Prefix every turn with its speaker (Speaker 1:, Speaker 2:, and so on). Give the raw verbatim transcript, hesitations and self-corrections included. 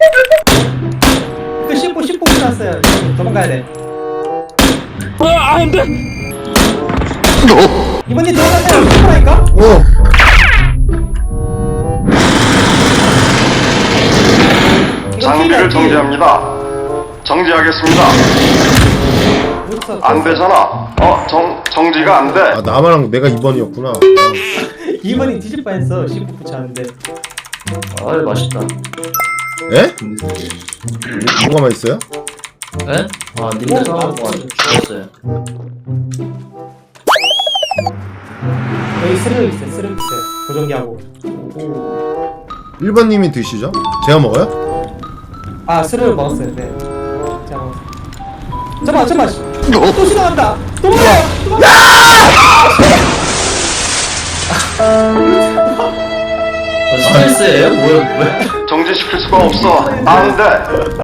Speaker 1: 그 씹고 씹고 붙였어요. 도망가야 돼.
Speaker 2: 아, 안 돼.
Speaker 1: 이번님 들어가세요. 씹으라니까?
Speaker 3: 어.
Speaker 4: 장비를 정지합니다. 정지하겠습니다. 안 되잖아. 어, 정, 정지가 안 돼.
Speaker 3: 아 나만 내가 이 번이었구나.
Speaker 1: 이번이 뒤질 뻔했어. 씹고 붙였는데.
Speaker 2: 아유, 맛있다.
Speaker 3: 에? 뭐가 맛있어요?
Speaker 2: 에? 아, 님들 사갖고 아주 죽었어요.
Speaker 1: 여기 스르륵 있어요. 스르륵 있어요. 보정기하고.
Speaker 3: 일 번님이 드시죠? 제가 먹어요?
Speaker 1: 아 스르륵 먹었어요. 네. 자, 먹었어요. 잠깐만 잠깐만. 또 지나간다. 도망가요. 도망가.
Speaker 2: 아, 스트레스예요? 뭐야, 뭐야?
Speaker 4: 정지시킬 수가 없어. 안 돼.